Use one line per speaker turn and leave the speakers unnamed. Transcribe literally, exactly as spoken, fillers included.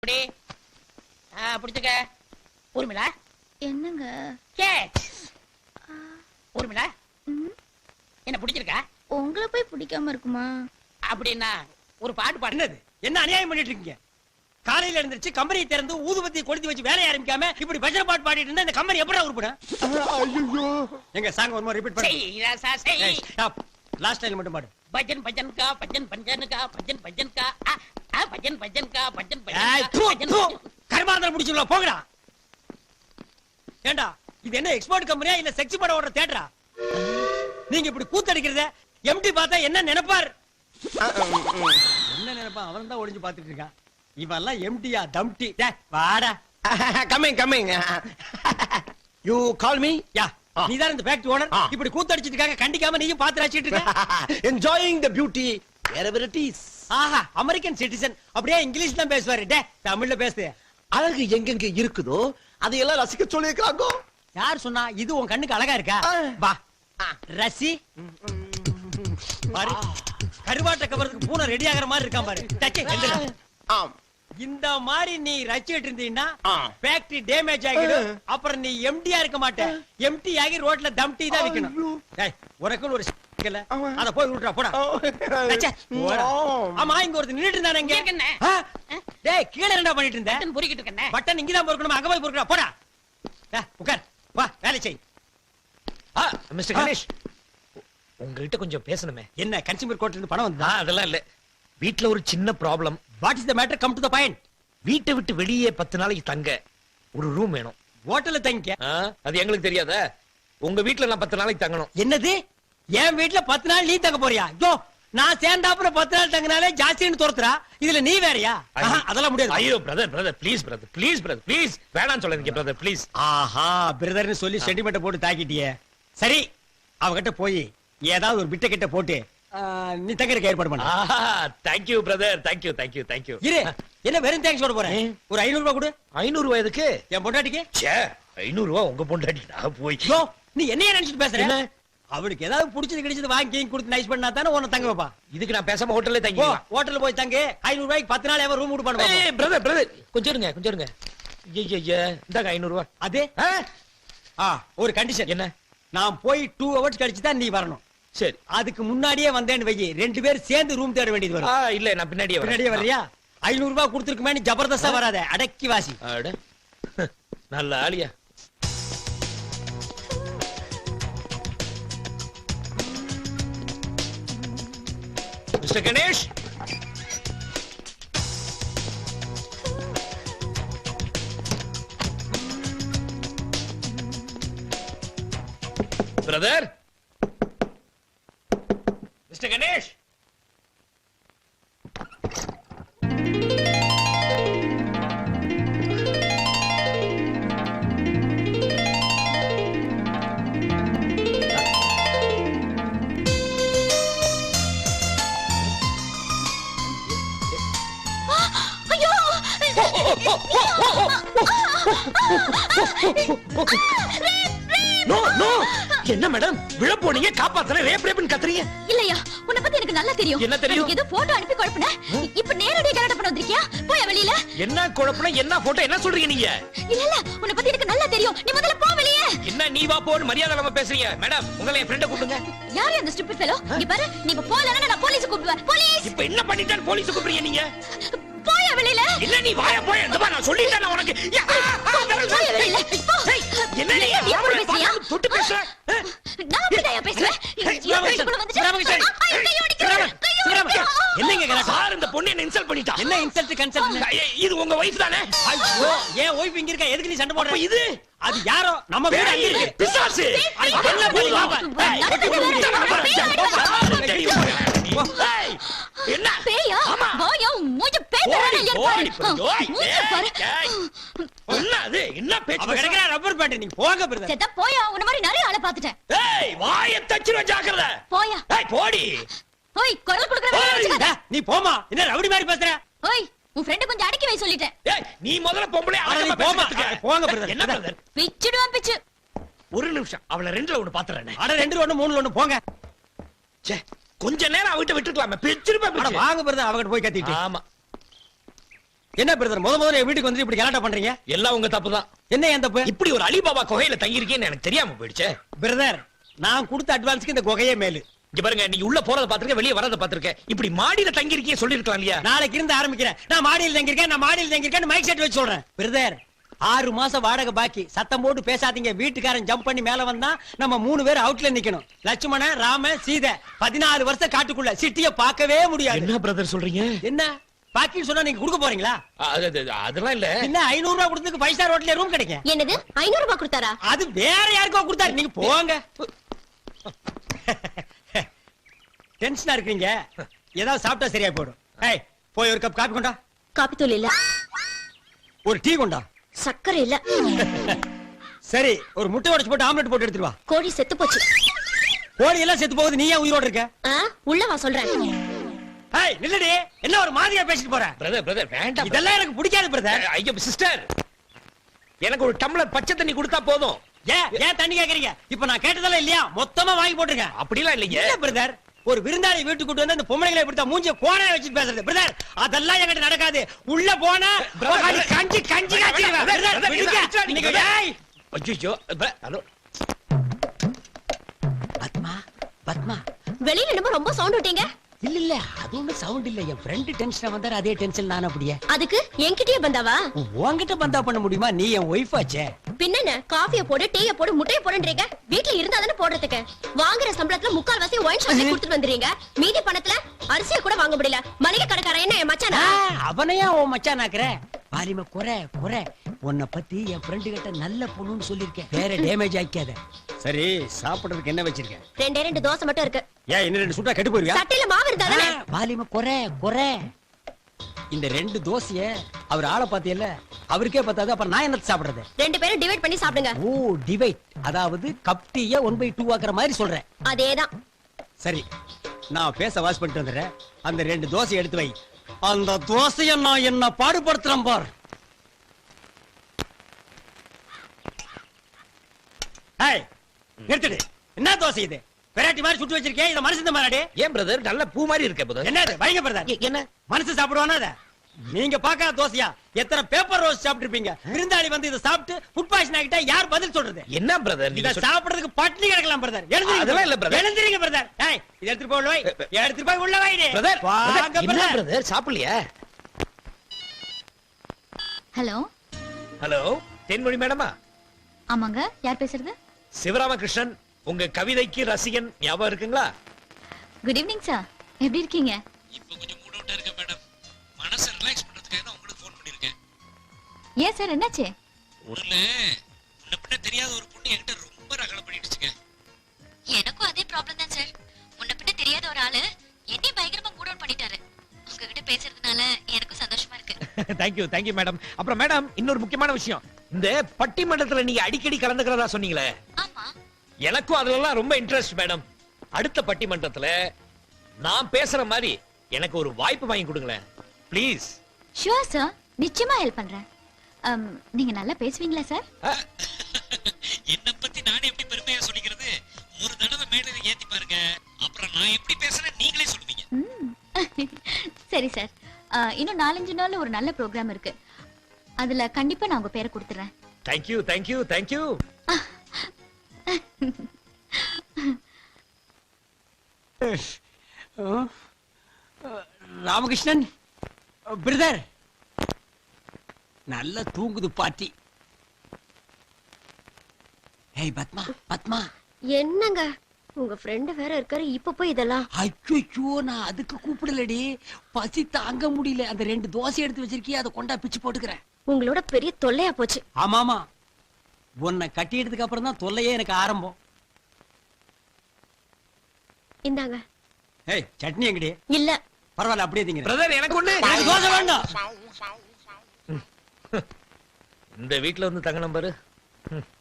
அப்படி பிடிச்சுக்க. ஊர்மிளா
என்னங்க
ஊர்மிளா என்ன பிடிச்சிருக்கா?
உங்களை போய் பிடிக்காம இருக்குமா?
அப்படின்னா ஒரு பாட்டு பாடுனது.
என்ன அநியாயம் பண்ணிட்டு இருக்கீங்க? காலையில எழுந்திருச்சு கம்பெனி திறந்து ஊதுபத்தி கொளுத்தி வச்சு வேலைய ஆரம்பிக்காம இப்படி பஜனை பாட்டு பாடிட்டு இருந்தா இந்த கம்பெனி எப்படா உருப்படும்? ஐயோ எங்க சாங் ஒரு மாதிரி ரிப்பீட் பண்ணு. ஸ்டாப். லாஸ்ட் லைன் மட்டும் பாடு.
பஜன் பஜன் கா பஜன் பஜன் கா பஜன் பஜன் கா ஆ பஜன் பஜன் கா பஜன்
ஏய் தூ தூ கர்மாந்தர முடிச்சுல போங்கடா. ஏண்டா இது என்ன எக்ஸ்போர்ட் கம்பெனியா இல்ல செக்ஸ் படம் ஓடுற தியேட்டரா? நீங்க இப்படி கூத்தடிக்கிறத எம்டி பார்த்தா என்ன நினைப்பார்? என்ன நினைப்பா? அவன் தான் ஒளிஞ்சு பாத்துட்டு இருக்கான். இவெல்லாம் எம்டியா டம்டி. டேய் வாடா.
coming coming you call me
யா நீ தான் இந்த ஃபேக்டரி ஓனர். இப்படி கூத்தடிச்சிட்டு இருக்காங்க கண்டிக்காம நீயும் பாத்து ரசிச்சிட்டு இருக்க.
enjoying the beauty wherever it is.
ஆஹா அமெரிக்கன் சிட்டிசன் அப்படியே இங்கிலீஷ் தான் பேசுவாரு. டேய் தமிழ்ல பேசு.
அழகு எங்கெங்க இருக்குதோ அதையெல்லாம் ரசிக்க சொல்லிருக்காங்க.
யார் சொன்னா? இது உன் கண்ணுக்கு அழகா இருக்கா? வா ரசி. பாரு கருவாட்ட கவரத்துக்கு பூனை ரெடி ஆகுற மாதிரி இருக்கான் பாரு. டச்சே எந்திரா.
ஆம்
இந்த மாதிரி நீ ரசிச்சிட்டு இருந்தீன்னா ஃபேக்டரி டேமேஜ் ஆகிடும். அப்புறம் நீ எம்டியா இருக்க மாட்ட. எம்டி ஆகி ரோட்ல தம்டி தான் விக்கணும். டேய் உனக்கு ஒரு இல்ல அத போய் விட்டுறா போடா. டச்சே போடா. ஆமா இங்க ஒருத்தர் நின்னுட்டு இருந்தானே இங்க. டேய் கீழ என்னடா பண்ணிட்டு இருந்த?
பட்டன் பொறுக்கிட்டு இருக்கேனே.
பட்டன் இங்க தான் பொறுக்கணும். அங்க போய் பொறுக்கடா போடா. டேய் உட்கார். வா வேலை செய்.
ஆ மிஸ்டர் கணேஷ் உங்ககிட்ட கொஞ்சம் பேசணுமே.
என்ன கன்சியூமர் கோர்ட்ல இருந்து பணம் வந்தா?
அதெல்லாம் இல்ல, வீட்ல ஒரு சின்ன problem.
What is the matter? Come to the point.
வீட்டை விட்டு வெளியே பத்து நாளைக்கு தங்க ஒரு ரூம் வேணும்.
ஹோட்டல்ல தங்கிக்க.
அது எங்களுக்கு தெரியாத. உங்க வீட்ல நான் பத்து நாளைக்கு தங்கணும்.
என்னது? என் வீட்ல பத்து நாள் நீ தங்க போறியா? ஐயோ நான் சேர்ந்தாப்புல பத்து நாள் தங்கினாலே ஜாஸ்தின்னு துரத்துறா. இதுல நீ வேறயா? அதெல்லாம் முடியாது.
ஐயோ brother brother please brother please brother please வேணாம்னு சொல்லாதீங்க பிரதர் ப்ளீஸ்.
ஆஹா பிரதர்னு சொல்லி சென்டிமெண்ட் போட்டு தாக்கிட்டியே. சரி அவகிட்ட போய் ஏதாவது ஒரு பிட்ட கிட்ட போட்டு நீ தங்கறதுக்கு ஏற்பாடு பண்ணு.
ஆஹா thank you brother thank you thank you thank you.
இரு என்ன வெறும் தேங்க்ஸ் சொல்ல போறேன். ஒரு ஐநூறு ரூபாய் கொடு.
ஐநூறு ரூபாய் எதுக்கு?
என் பொண்டாட்டிக்கு.
ச்சே ஐநூறு ரூபாய் உங்க பொண்டாட்டி நான் போய்.
யோ நீ என்னைய நினைச்சிட்டு பேசுற?
என்ன?
அவளுக்கு ஏதாவது புடிச்சது கிடைச்சது வாங்கி கொடுத்து நைஸ் பண்ணா தானே உன்னை தங்க வைப்பா.
இதுக்கு நான் பேசாம ஹோட்டல்ல
போ
தங்கிக்கலாம்.
ஹோட்டல்ல போய் தங்கு. ஐநூறு ரூபாய்க்கு பத்து நாள் எவன் ரூம் விட்டு பண்ணுவா?
ஏய் பிரதர் பிரதர் கொஞ்சம் இருங்க கொஞ்சம் இருங்க. ஐயய்ய இந்தாங்க ஐநூறு ரூபாய்.
அது ஆ ஒரு கண்டிஷன்.
என்ன?
நான் போய் டூ ஹவர்ஸ் கழிச்சு தான் நீ வரணும்.
சரி
அதுக்கு முன்னாடியே வந்தேன்னு வை. ரெண்டு பேரும் சேர்ந்து ரூம் தேட வேண்டியது வரும்.
ஆ இல்ல நான் பின்னாடியே வரேன்.
பின்னாடியே வர்றியா? ஐநூறு ரூபாய் கொடுத்துருக்குமே நீ ஜபர்தஸ்தா வராத. அடக்கி வாசி.
அட நல்ல ஆளியா. Mister Ganesh brother mister Ganesh no no என்ன மேடம் விழ போனீங்க காப்பாத்தல ரேப் ரேப்னு கத்துறீங்க.
இல்லையா உன்னை பத்தி எனக்கு நல்லா தெரியும்.
என்ன தெரியும்?
ஏதோ போட்டோ அனுப்பி குழப்பன. இப்ப நேரடியா கரெக்ட் பண்ண வந்திருக்கியா? போய் வெளியில.
என்ன குழப்பம்? என்ன போட்டோ? என்ன சொல்றீங்க நீங்க?
இல்ல இல்ல உன்னை பத்தி எனக்கு நல்லா தெரியும். நீ முதல்ல போ வெளியே.
என்ன நீ வா போன்னு மரியாதை இல்லாம பேசுறீங்க. மேடம் உங்களை என் ஃப்ரெண்ட கூப்பிடுங்க.
யாரு அந்த ஸ்டூபிட் ஃபெலோ? இங்க பாரு நீ இப்ப போலனா நான் போலீஸ் கூப்பிடுவேன். போலீஸ்.
இப்போ என்ன பண்ணிட்டான் போலீஸ் கூப்பிடுறீங்க நீங்க?
போய் வெளியில.
இல்ல நீ வாய போய் அந்த நான் சொல்லிட்டேன் உனக்கு.
போய் வெளியில.
என்ன நீ
அப்படி பேசுறியா?
தொட்டு பேசுற?
நான் அப்படியே பேசுவேன்.
என்னங்க கலாட்டா?
சார் இந்த பொண்ணு என்ன இன்சல்ட் பண்ணிட்டா.
என்ன இன்சல்ட் கன்சல்ட்?
இது உங்க வைஃப் தானே?
ஐயோ ஏன் வைஃப் இங்க இருக்கா? எதுக்கு நீ சண்டை போடுற?
அப்ப இது
அது யாரோ நம்ம வீடு அங்க இருக்கு.
பிசாசு.
என்ன பண்ணி பாப்பா?
ஏய் என்ன
பேயா? வாயா மூஞ்ச பேதறானே பாரு. மூஞ்ச பாரு.
என்ன அது? என்ன பேச்சு?
அவ கிடக்குற ரப்பர் பேண்ட். நீங்க போங்க பிரதர்.
செத்த போயா. உன்ன மாதிரி நிறைய ஆளை பாத்துட்டேன்.
ஏய் வாயை தச்சிர ஜாக்கிரதை.
போயா.
ஏய் போடி.
ஓய் குரல் குடுக்குற வேலைய வச்சுக்காத.
நீ போமா. என்ன ரவுடி மாதிரி பேசுற?
ஓய் உன் ஃப்ரெண்ட் கொஞ்சம் அடக்கி வை சொல்லிட்டேன்.
ஏய் நீ முதல்ல பொம்பளை
அடக்கி போமா. போங்க பிரதர்.
என்ன பிரதர்?
பிச்சுடுவான் பிச்சு.
ஒரு நிமிஷம் அவளை ரெண்டுல ஒன்னு பாத்துறேன்.
அட ரெண்டு ஒண்ணு மூணுல ஒண்ணு போங்க.
ச்சே கொஞ்ச நேரம் அவகிட்ட விட்டுக்கலாமே. பிச்சிருப்பா
அட
பிச்சு.
வாங்க பிரதர் அவகிட்ட போய் கத்திட்டு.
ஆமா
என்ன பிரதர் முத முதல்ல என் வீட்டுக்கு வந்து இப்படி கலாட்டா பண்றீங்க?
எல்லாம் உங்க தப்பு தான்.
என்ன என் தப்பு?
இப்படி ஒரு அலிபாபா குகையில தங்கி இருக்கேன்னு எனக்கு தெரியாம போயிடுச்சே.
பிரதர் நான் கொடுத்த அட்வான்ஸ்க்கு இந்த குகையே மேலு.
இங்க பாருங்க, நீங்க உள்ள போறத பாத்துருக்கேன், வெளிய வரத பாத்துருக்கேன். இப்படி மாடியில தங்கி இருக்கீங்க சொல்லிருக்கலாம் இல்லையா?
நாளைக்கு இருந்து ஆரம்பிக்கிறேன். நான் மாடியில் தங்கியிருக்கேன், நான் மாடியில் தங்கியிருக்கேன் மைக் செட் வச்சு சொல்றேன். பிரதர் ஆறு மாசம் வாடகை பாக்கி. சத்தம் போட்டு பேசாதீங்க. வீட்டுக்காரன் ஜம்ப் பண்ணி மேல வந்தா நம்ம மூணு பேர் அவுட்ல நிக்கணும். லட்சுமணன், ராம, சீதை பதினாலு வருஷம் காட்டுக்குள்ள சிட்டிய பார்க்கவே முடியாது.
என்ன பிரதர் சொல்றீங்க?
என்ன பாக்கின்னு சொன்னா நீங்க கொடுக்க போறீங்களா?
அது- அது- அதெல்லாம் இல்ல.
என்ன ஐநூறு ரூபாய் கொடுத்து ஃபைவ் ஸ்டார் ஹோட்டல்ல ரூம் கிடைக்கும்.
என்னது ஐநூறு ரூபாய் கொடுத்தாரா?
அது வேற யாருக்கோ கொடுத்தாரு. நீங்க போங்க. டென்ஷனா இருக்கீங்க. ஏதாவது சாப்பிட்டா சரியா போயிடும். ஏய் போய் ஒரு கப் காபி கொண்டா.
காப்பி தூள் இல்ல,
ஒரு டீ கொண்டா.
சக்கரை இல்ல.
சரி ஒரு முட்டை உடைச்சு போட்டு ஆம்லெட் போட்டு எடுத்துட்டு வா.
கோழி செத்து போச்சு.
கோழி எல்லாம் செத்து போகுது, நீ ஏன் உயிரோட இருக்க?
ஆ, உள்ள வா சொல்றேன்.
ஏய் நில்லடி, என்ன ஒரு மாதிரியா பேசிட்டு போற?
பிரதர் பிரதர் வேண்டாம்.
இதெல்லாம் எனக்கு பிடிக்காது பிரதர்.
ஐயோ சிஸ்டர், எனக்கு ஒரு டம்ளர் பச்சை தண்ணி கொடுத்தா போதும்.
ஏன் ஏன் தண்ணி கேக்குறீங்க? இப்ப நான் கேட்டதெல்லாம் இல்லையா? மொத்தமா வாங்கி போட்டுருக்கேன்.
அப்படிலாம் இல்லைங்க.
இல்ல பிரதர், ஒரு விருந்தாளி வீட்டுக்கு கூட்டு வந்து அந்த பொம்பளைங்களை இப்படி மூஞ்சிய கோணையா வச்சுட்டு பேசுறது பிரதர், அதெல்லாம் என்கிட்ட நடக்காது. உள்ள போனா உக்காந்து கஞ்சி கஞ்சி காய்ச்சிடுவேன். பிரதர், விடுங்க. நீங்க ஏய்
ஐயோ ஹலோ
பத்மா பத்மா.
வெளியில என்னமோ ரொம்ப சவுண்ட் விட்டீங்க.
இல்ல இல்ல அது ஒண்ணு சவுண்ட் இல்ல. என் ஃப்ரெண்ட் டென்ஷனா வந்தாரு, அதே டென்ஷன் நான். அப்படியே
அதுக்கு என்கிட்டயே பந்தாவா?
உன்கிட்ட பந்தா பண்ண முடியுமா? நீ என் ஒய்ஃப் ஆச்சே.
பின்னென்ன காஃபிய போடு, டீய போடு, முட்டைய போடுன்றீங்க. வீட்ல இருந்தா தானே போடுறதுக்கு. வாங்குற சம்பளத்துல முக்கால் வாசி ஒயின் ஷாப்ல கொடுத்துட்டு வந்துறீங்க. மீதி பணத்துல அரிசிய கூட வாங்க முடியல. மளிகை கடைக்காரன் என்ன என் மச்சானா?
அவனையா உன் மச்சான் ஆக்குற? பாலிம குறை குறை. உன்னை பத்தி என் ஃப்ரெண்டு கிட்ட நல்ல பொண்ணுன்னு சொல்லிருக்கேன். வேற டேமேஜ் ஆக்காத. சரி சாப்பிடுறதுக்கு என்ன வச்சிருக்கேன்?
ரெண்டே ரெண்டு தோசை மட்டும் இருக்கு.
ஏன் இன்னும் ரெண்டு சுட்டா கெட்டு போயிருவியா?
சட்டையில மாவு இருந்தா தானே.
பாலிம குறை குறை. இந்த ரெண்டு தோசைய அவர் ஆளை பாத்தியல்ல, அவருக்கே பத்தாது, அப்புறம் நான் என்ன சாப்பிடுறது?
ரெண்டு பேரும் டிவைட் பண்ணி சாப்பிடுங்க.
ஓ டிவைட், அதாவது கப் டீய ஒன் பை டூ ஆக்குற மாதிரி சொல்றேன்.
அதேதான்.
சரி நான் பேச வாஷ் பண்ணிட்டு வந்துடுறேன். அந்த ரெண்டு தோசை எடுத்து வை. அந்த தோசைய நான் என்ன பாடுபடுத்துறேன் பார். ஏய் நிறுத்துடு. என்ன தோசை இது? வெரைட்டி மாதிரி சுட்டு வச்சிருக்கேன். இத மனுஷன் மாறாடே.
ஏன் பிரதர் நல்ல பூ மாதிரி இருக்க பிரதர்?
என்னது வைங்க பிரதர்?
என்ன
மனுஷன் சாப்பிடுவானா அத? நீங்க பாக்காத தோசையா? எத்தனை பேப்பர் ரோஸ் சாப்பிட்டிருப்பீங்க. விருந்தாளி வந்து இத சாப்பிட்டு ஃபுட் பாய்சன் ஆகிட்டா யார் பதில் சொல்றது?
என்ன பிரதர்
இத சாப்பிடுறதுக்கு பட்டினி கிடக்கலாம் பிரதர்.
அதெல்லாம் இல்ல பிரதர்.
எழுந்திருங்க பிரதர். ஏய் இத எடுத்து போய் உள்ள வை. எடுத்து போய் உள்ள வைடி
பிரதர்.
வாங்க
என்ன
பிரதர்.
பிரதர் சாப்பிடலையா?
ஹலோ
ஹலோ தென்மொழி மேடமா?
ஆமாங்க, யார் பேசுறது?
சிவராமகிருஷ்ணன், உங்க கவிதைக்கு ரசிகன். ஞாபகம் இருக்குங்களா?
குட் ஈவினிங் சார், எப்படி இருக்கீங்க?
இப்போ கொஞ்சம் மூட் அவுட்டா இருக்கேன் மேடம். மனசை ரிலாக்ஸ் பண்றதுக்காக தான் உங்களுக்கு ஃபோன் பண்ணிருக்கேன்.
ஏன் சார், என்னாச்சு?
ஒண்ணுல முன்ன பின்ன தெரியாத ஒரு பொண்ணு என்கிட்ட ரொம்ப ரகலை பண்ணிடுச்சுங்க.
எனக்கும் அதே ப்ராப்ளம் தான் சார். முன்ன பின்ன தெரியாத ஒரு ஆளு என்னை பயங்கரமா மூட் அவுட் பண்ணிட்டாரு. உங்ககிட்ட பேசுறதுனால எனக்கும் சந்தோஷமா இருக்கு.
Thank you thank you madam. அப்புறம் மேடம் இன்னொரு முக்கியமான விஷயம், இந்த பட்டிமன்றத்துல நீங்க அடிக்கடி கலந்துக்கிறதா சொன்னீங்களே,
ஆமா,
எனக்கும் அதுலலாம் ரொம்ப இன்ட்ரெஸ்ட் மேடம். அடுத்த பட்டிமன்றத்துல நான் பேசுற மாதிரி எனக்கு ஒரு வாய்ப்பு வாங்கி கொடுங்களேன் ப்ளீஸ்.
ஷூர் சார், நிச்சயமா ஹெல்ப் பண்றேன். Um, நீங்க நல்லா பேசுவீங்களா சார்?
என்ன பத்தி நானே எப்படி பெருமையா சொல்லிக்கிறது? ஒரு தடவை மேடையில ஏத்தி பாருங்க, அப்புறம் நான் எப்படி பேசுறேன் நீங்களே சொல்லுவீங்க.
ம். சரி சார், Uh, இன்னும் நாலஞ்சு நாள்ல ஒரு நல்ல ப்ரோக்ராம் இருக்கு. அதுல கண்டிப்பா நான் உங்க பேரை கொடுத்துறேன்.
Thank you thank you thank you.
Ramakrishnan brother, நல்ல தூங்குது பாட்டி. ஏய் பத்மா பத்மா.
என்னங்க உங்க ஃப்ரெண்ட் வேற இருக்காரு, இப்ப போய் இதெல்லாம்?
ஐயோ நான் அதுக்கு கூப்பிடலடி, பசி தாங்க முடியல. அந்த ரெண்டு தோசை எடுத்து வச்சிருக்கிய, அதை கொண்டா பிச்சு போட்டுக்கிறேன்.
உங்களோட பெரிய தொல்லையா போச்சு.
ஆமாமா, உன்னை கட்டியதுக்கு அப்புறம் தான் தொல்லையே எனக்கு ஆரம்பம்.
இந்தாங்க.
ஏய் சட்னி எங்கடி?
இல்ல
பரவாயில்ல அப்படியே திங்க.
பிரதர் எனக்கு ஒண்ணு.
எனக்கு தோசை வேண்டாம்.
இந்த வீட்ல வந்து தங்க நம்பரு.